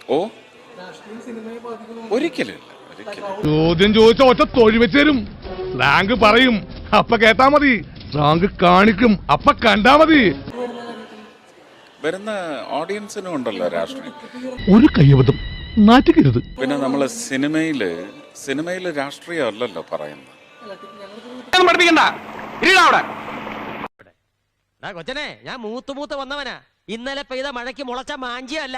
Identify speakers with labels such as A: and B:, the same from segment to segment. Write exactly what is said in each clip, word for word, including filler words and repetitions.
A: ഓ ഒരിക്കലും
B: ചോദ്യം ചോദിച്ച ഒറ്റ തൊഴി വെച്ച് തരും. സ്ലാങ്ക് പറയും, അപ്പ കേട്ടാ മതി. സ്ലാങ്ക് കാണിക്കും, അപ്പ കണ്ടാ മതി.
A: വരുന്ന ഓഡിയൻസിനും ഉണ്ടല്ലോ രാഷ്ട്രീയം.
B: ഒരു കയ്യബദ്ധം നാറ്റിക്കരുത്.
A: പിന്നെ നമ്മള് സിനിമയില് സിനിമയില് രാഷ്ട്രീയം അല്ലല്ലോ പറയുന്നത്.
C: കൊച്ചനെ, ഞാൻ മൂത്ത് മൂത്ത് വന്നവനാ. ഇന്നലെ പെയ്ത മഴയ്ക്ക് മുളച്ച മാഞ്ചിയല്ല.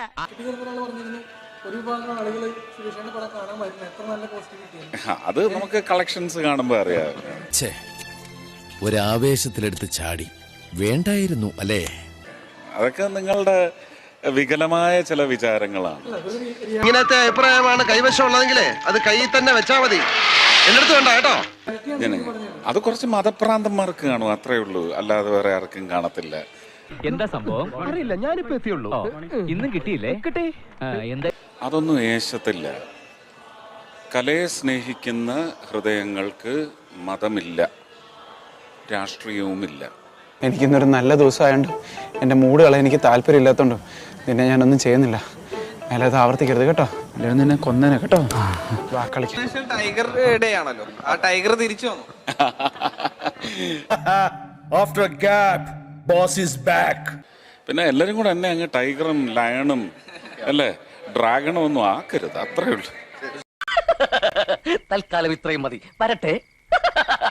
A: അത് നമുക്ക് കളക്ഷൻസ് കാണുമ്പോ അറിയാം.
D: ഒരാവേശത്തിലെടുത്ത് ചാടി വേണ്ടായിരുന്നു അല്ലേ?
A: അതൊക്കെ നിങ്ങളുടെ വികലമായ ചില വിചാരങ്ങളാണ്.
E: ഇങ്ങനത്തെ അഭിപ്രായമാണ് കൈവശമുള്ളതെങ്കിലേ അത് കയ്യിൽ തന്നെ വെച്ചാ മതി. എന്നെടുത്ത് വേണ്ട കേട്ടോ.
A: അത് കുറച്ച് മതഭ്രാന്തന്മാർക്ക് കാണും, അത്രേ ഉള്ളൂ. അല്ലാതെ വേറെ ആർക്കും കാണത്തില്ല.
F: എന്താ സംഭവം അറിയില്ല. ഞാനിപ്പോ എത്തിയുള്ളൂ. ഇന്നും കിട്ടിയില്ലേ? കിട്ടി. എന്താ
A: അതൊന്നും ഏശത്തില്ല. കലയെ സ്നേഹിക്കുന്ന ഹൃദയങ്ങൾക്ക് മതമില്ല, രാഷ്ട്രീയവുമില്ല.
G: എനിക്കിന്നൊരു നല്ല ദിവസമായോണ്ട് എൻ്റെ മൂഡ് കളയാൻ എനിക്ക് താല്പര്യമില്ലാത്തതുകൊണ്ട് നിന്നെ ഞാനൊന്നും ചെയ്യുന്നില്ല. അല്ലാതെ ആവർത്തിക്കരുത് കേട്ടോ, അല്ലെങ്കിൽ നിന്നെ കൊന്നേനെ കേട്ടോ.
H: ടൈഗർ ഡേ ആണല്ലോ, ആ ടൈഗർ തിരിച്ചു വന്നു.
D: After a gap, boss is back.
A: പിന്നെ എല്ലാരും കൂടെ എന്നെ അങ്ങ് ടൈഗറും ലയണും അല്ലേ ഡ്രാഗണും ഒന്നും ആക്കരുത്, അത്രേ ഉള്ളൂ.
C: തൽക്കാലം ഇത്രയും മതി. വരട്ടെ.